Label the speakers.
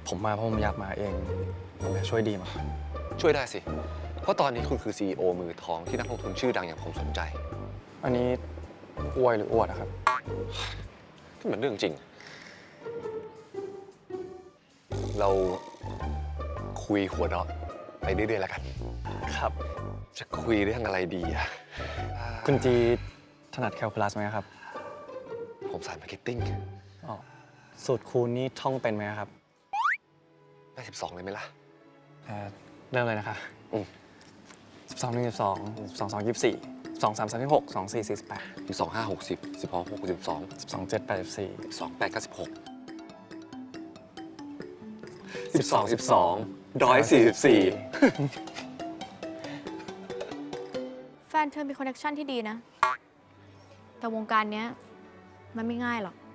Speaker 1: ผมมาเพราะผมอยากมาเองผมอยากช่วยดีมาก
Speaker 2: ช่วยได้สิ เพราะตอนนี้คุณคือ CEO มือทองที่นักลงทุนชื่อดังอย่างผมสนใจ
Speaker 1: อันนี้อวยหรืออวดอะครับ
Speaker 2: ที่มันเรื่องจริง เราคุยหัวเราะไปเรื่อยๆแล้วกัน
Speaker 1: ครับ
Speaker 2: จะคุยเรื่องอะไรดีอะ
Speaker 1: คุณจีถนัดแคลคูลัสไหมครับ
Speaker 2: ผมสายมาร์เก็ตติ้ง
Speaker 1: อ๋อสูตรคูณนี่ท่องเป็นไหมครับ
Speaker 2: ได้12เลยไหมล่ะ
Speaker 1: เริ่มเลยนะคะ12 1 12 12 2 24 2 3 36 2 4 48
Speaker 2: 12 5 60 16 6 12
Speaker 1: 12 7 84
Speaker 2: 12 8 96 12 12 144
Speaker 3: แฟนเธอมีคอนเนคชั่นที่ดีนะ แต่วงการเนี้ยมันไม่ง่ายหรอก